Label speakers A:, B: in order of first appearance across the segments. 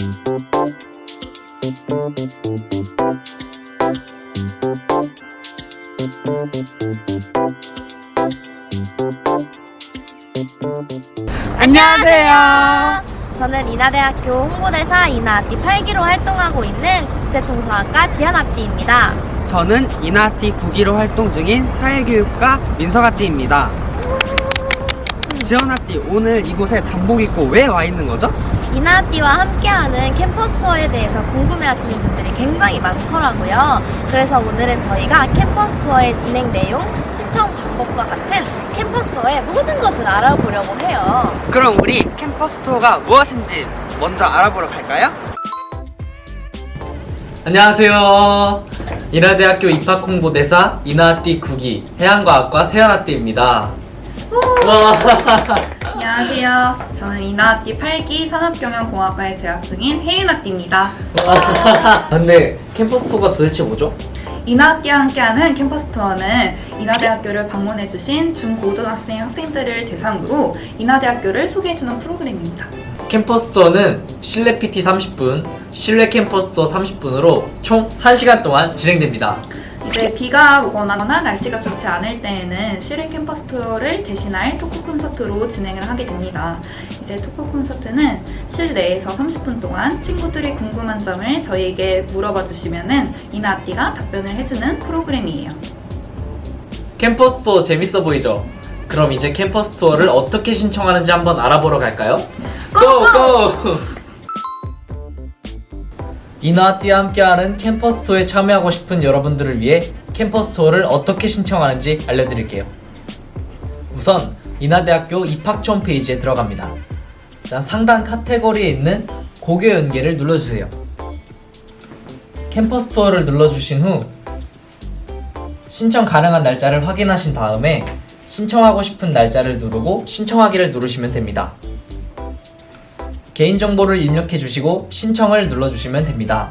A: 안녕하세요.
B: 저는 인하대학교 홍보대사 인하아띠 8기로 활동하고 있는 국제통상학과 지연아띠입니다.
A: 저는 인하아띠 9기로 활동 중인 사회교육과 민서아띠입니다. 지연아띠, 오늘 이곳에 단복 입고 왜 와 있는 거죠?
B: 인하아띠와 함께하는 캠퍼스 투어에 대해서 궁금해하시는 분들이 굉장히 많더라고요. 그래서 오늘은 저희가 캠퍼스 투어의 진행 내용, 신청 방법과 같은 캠퍼스 투어의 모든 것을 알아보려고 해요.
A: 그럼 우리 캠퍼스 투어가 무엇인지 먼저 알아보러 갈까요?
C: 안녕하세요. 인하대학교 입학홍보대사 인하아띠 9기 해양과학과 세연아띠입니다.
D: 안녕하세요. 저는 인하아띠 8기 산업경영공학과에 재학 중인 혜윤아띠입니다.
C: 근데 캠퍼스 투어가 도대체 뭐죠?
D: 인하아띠와 함께하는 캠퍼스 투어는 인하대학교를 방문해주신 중고등학생 학생들을 대상으로 인하대학교를 소개해주는 프로그램입니다.
C: 캠퍼스 투어는 실내 PT 30분, 실외 캠퍼스 투어 30분으로 총 1시간 동안 진행됩니다.
D: 이제 비가 오거나 날씨가 좋지 않을 때에는 실외 캠퍼스 투어를 대신할 토크 콘서트로 진행을 하게 됩니다. 이제 토크 콘서트는 실내에서 30분 동안 친구들이 궁금한 점을 저희에게 물어봐 주시면은 인하아띠가 답변을 해주는 프로그램이에요.
C: 캠퍼스 투어 재밌어 보이죠? 그럼 이제 캠퍼스 투어를 어떻게 신청하는지 한번 알아보러 갈까요? 고고! 인하아띠와 함께하는 캠퍼스 투어에 참여하고 싶은 여러분들을 위해 캠퍼스 투어를 어떻게 신청하는지 알려드릴게요. 우선 인하대학교 입학처 홈페이지에 들어갑니다. 다음 상단 카테고리에 있는 고교 연계를 눌러주세요. 캠퍼스 투어를 눌러주신 후 신청 가능한 날짜를 확인하신 다음에 신청하고 싶은 날짜를 누르고 신청하기를 누르시면 됩니다. 개인정보를 입력해 주시고 신청을 눌러주시면 됩니다.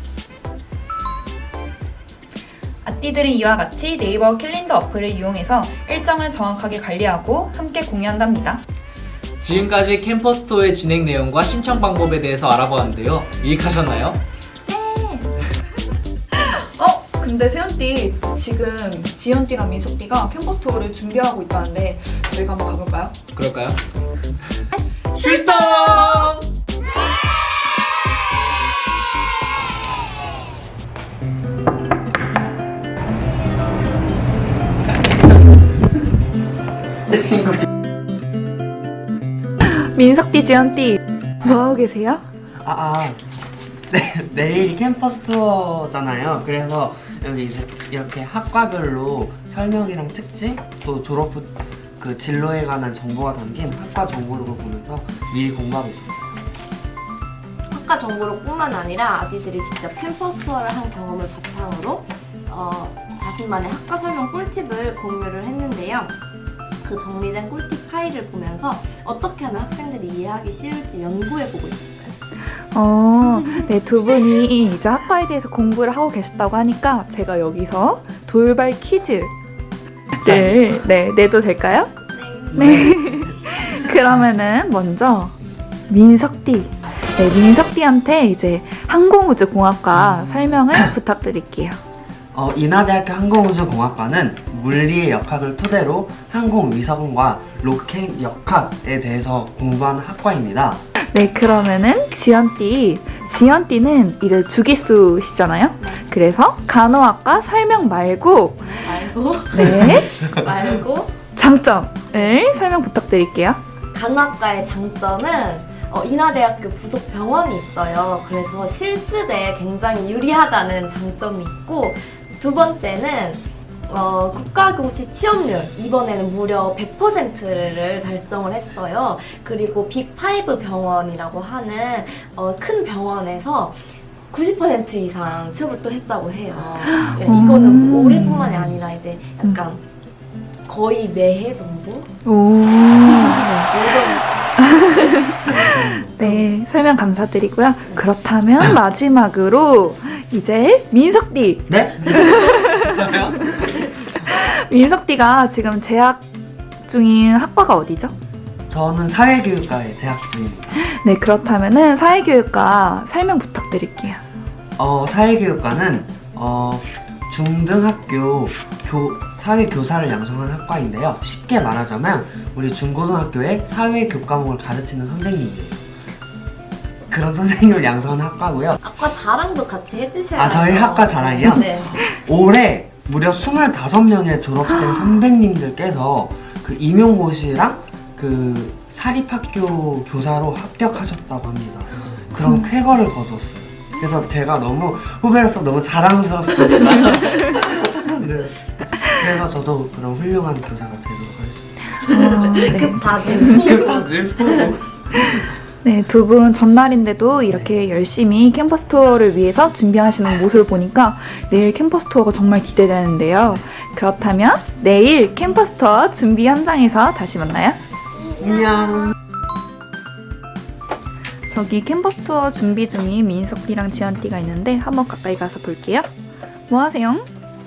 D: 아띠들은 이와 같이 네이버 캘린더 어플을 이용해서 일정을 정확하게 관리하고 함께 공유한답니다.
C: 지금까지 캠퍼스 투어의 진행 내용과 신청 방법에 대해서 알아보았는데요. 유익하셨나요?
D: 근데 세연띠, 지금 지연띠랑 민석띠가 캠퍼스 투어를 준비하고 있다는데 저희가 한번 가볼까요?
C: 그럴까요? 출동!
D: 민석띠, 지연띠 뭐하고 계세요?
A: 내일이 캠퍼스 투어잖아요. 그래서 여기 이제 이렇게 학과별로 설명이랑 특징, 또 졸업 후 그 진로에 관한 정보가 담긴 학과 정보를 보면서 미리 공부하고 있습니다.
B: 학과 정보로 뿐만 아니라 아디들이 직접 캠퍼스 투어를 한 경험을 바탕으로 자신만의 학과 설명 꿀팁을 공유를 했는데요. 그 정리된 꿀팁 파일을 보면서 어떻게 하면 학생들이 이해하기 쉬울지 연구해보고 있었어요.
E: 네, 두 분이 이제 학과에 대해서 공부를 하고 계셨다고 하니까 제가 여기서 돌발 퀴즈 내도 될까요? 네. 그러면은 먼저 민석띠, 민석띠한테 이제 항공우주공학과 설명을 부탁드릴게요.
A: 인하대학교 항공우주공학과는 물리의 역학을 토대로 항공위성과 로켓 역학에 대해서 공부하는 학과입니다.
E: 네, 그러면은 지연띠는 이제 주기수시잖아요. 그래서 간호학과 설명 말고 장점을 설명 부탁드릴게요.
B: 간호학과의 장점은 인하대학교 부속 병원이 있어요. 그래서 실습에 굉장히 유리하다는 장점이 있고, 두 번째는 국가고시 취업률 이번에는 무려 100%를 달성을 했어요. 그리고 빅5 병원이라고 하는 큰 병원에서 90% 이상 취업을 또 했다고 해요. 네, 이거는 올해뿐만이 아니라 이제 약간 거의 매해 정도?
E: 네, 설명 감사드리고요. 그렇다면 마지막으로 이제 민석띠.
A: 네? 저요?
E: 민석띠가 지금 재학 중인 학과가 어디죠?
A: 저는 사회교육과에 재학 중입니다.
E: 네, 그렇다면은 사회교육과 설명 부탁드릴게요.
A: 사회교육과는 중등학교 사회교사를 양성한 학과인데요. 쉽게 말하자면 우리 중고등학교에 사회교육 과목을 가르치는 선생님이에요. 그런 선생님을 양성한 학과고요.
B: 아까 자랑도 같이 해주셔야
A: 아, 저희
B: 돼요.
A: 학과 자랑이요?
B: 네.
A: 올해 무려 25명의 졸업생 선배님들께서 그 임용고시랑 그 사립학교 교사로 합격하셨다고 합니다. 그런 쾌거를 거뒀어요. 그래서 제가 너무 후배로서 너무 자랑스럽습니다. 네. 그래서 저도 그런 훌륭한 교사가 되도록 하겠습니다.
B: 급다짐.
E: 네, 두 분 전날인데도 이렇게 열심히 캠퍼스 투어를 위해서 준비하시는 모습을 보니까 내일 캠퍼스 투어가 정말 기대되는데요. 그렇다면 내일 캠퍼스 투어 준비 현장에서 다시 만나요.
A: 안녕.
E: 저기 캠퍼스 투어 준비 중인 민석띠랑 지연띠가 있는데 한번 가까이 가서 볼게요. 뭐 하세요?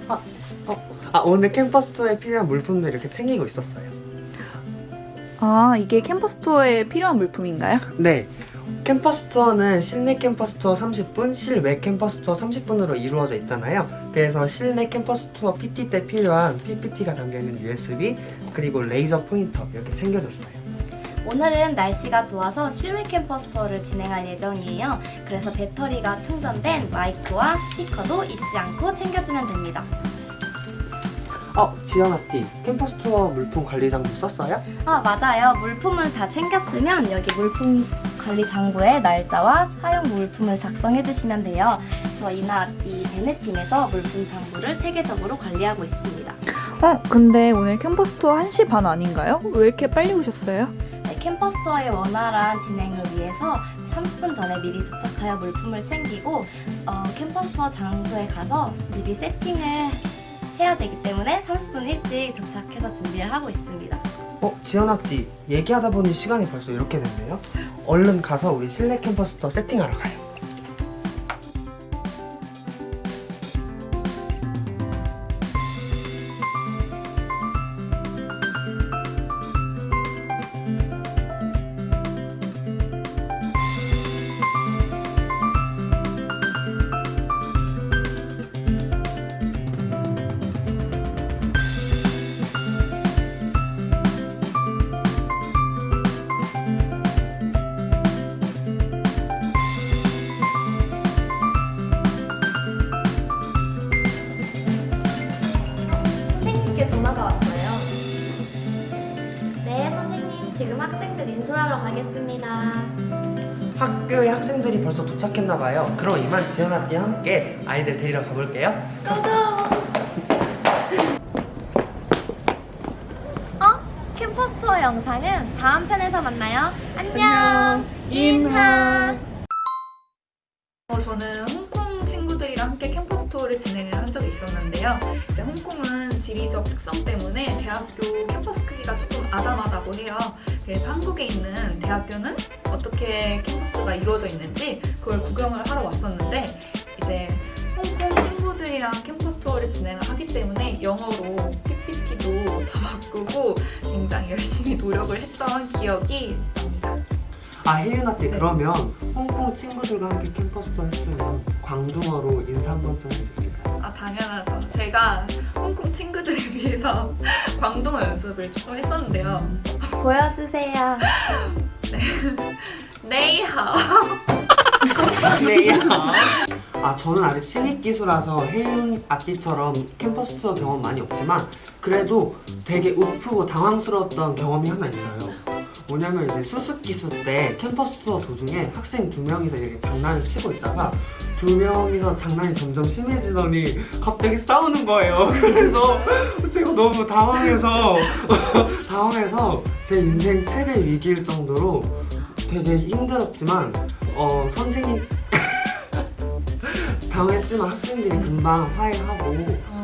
A: 오늘 캠퍼스 투어에 필요한 물품들 이렇게 챙기고 있었어요.
E: 아, 이게 캠퍼스 투어에 필요한 물품인가요?
A: 네. 캠퍼스 투어는 실내 캠퍼스 투어 30분, 실외 캠퍼스 투어 30분으로 이루어져 있잖아요. 그래서 실내 캠퍼스 투어 PT 때 필요한 PPT가 담겨있는 USB, 그리고 레이저 포인터 이렇게 챙겨줬어요.
B: 오늘은 날씨가 좋아서 실외 캠퍼스 투어를 진행할 예정이에요. 그래서 배터리가 충전된 마이크와 스피커도 잊지 않고 챙겨주면 됩니다.
A: 지연아띠, 캠퍼스 투어 물품 관리 장부 썼어요?
B: 아, 맞아요. 물품을 다 챙겼으면 여기 물품 관리 장부에 날짜와 사용 물품을 작성해 주시면 돼요. 그래서 이나아띠 대내팀에서 물품 장부를 체계적으로 관리하고 있습니다.
E: 근데 오늘 캠퍼스 투어 1시 반 아닌가요? 왜 이렇게 빨리 오셨어요?
B: 네, 캠퍼스 투어의 원활한 진행을 위해서 30분 전에 미리 도착하여 물품을 챙기고 캠퍼스 투어 장소에 가서 미리 세팅을 해야 되기 때문에 30분 일찍 도착해서 준비를 하고 있습니다.
A: 지연아띠, 얘기하다 보니 시간이 벌써 이렇게 됐네요. 얼른 가서 우리 실내 캠퍼스 투어 세팅하러 가요.
B: 선생님께 전화가 왔어요. 네, 선생님. 지금 학생들 인솔하러 가겠습니다.
A: 학교에 학생들이 벌써 도착했나봐요. 그럼 이만 지연아띠와 함께 아이들 데리러 가볼게요.
B: 고고! 캠퍼스 투어 영상은 다음 편에서 만나요. 안녕! 인하!
D: 저는 홍콩 친구들이랑 함께 캠퍼스 투어를 진행을 한 적이 있었는데요. 이제 홍콩은 지리적 특성 때문에 대학교 캠퍼스 크기가 조금 아담하다고 해요. 그래서 한국에 있는 대학교는 어떻게 캠퍼스가 이루어져 있는지 그걸 구경을 하러 왔었는데 이제 홍콩 친구들이랑 캠퍼스 투어를 진행을 하기 때문에 영어로 PPT도 다 바꾸고 굉장히 열심히 노력을 했던 기억이 납니다.
A: 혜윤아띠, 그러면 홍콩 친구들과 함께 캠퍼스 투어 했으면 광둥어로 인사 한 번쯤 할 수 있을까요?
D: 당연하죠. 제가 홍콩 친구들을 위해서 광동어 연습을 조금 했었는데요.
B: 보여주세요.
D: 네이하오.
A: 저는 아직 신입기수라서 혜윤아띠처럼 캠퍼스 투어 경험 많이 없지만 그래도 되게 우프고 당황스러웠던 경험이 하나 있어요. 뭐냐면 이제 수습기수 때 캠퍼스 투어 도중에 학생 2명이서 이렇게 장난을 치고 있다가 2명이서 장난이 점점 심해지더니 갑자기 싸우는 거예요. 그래서 제가 너무 당황해서 제 인생 최대 위기일 정도로 되게 힘들었지만 선생님 당했지만 학생들이 금방 화해하고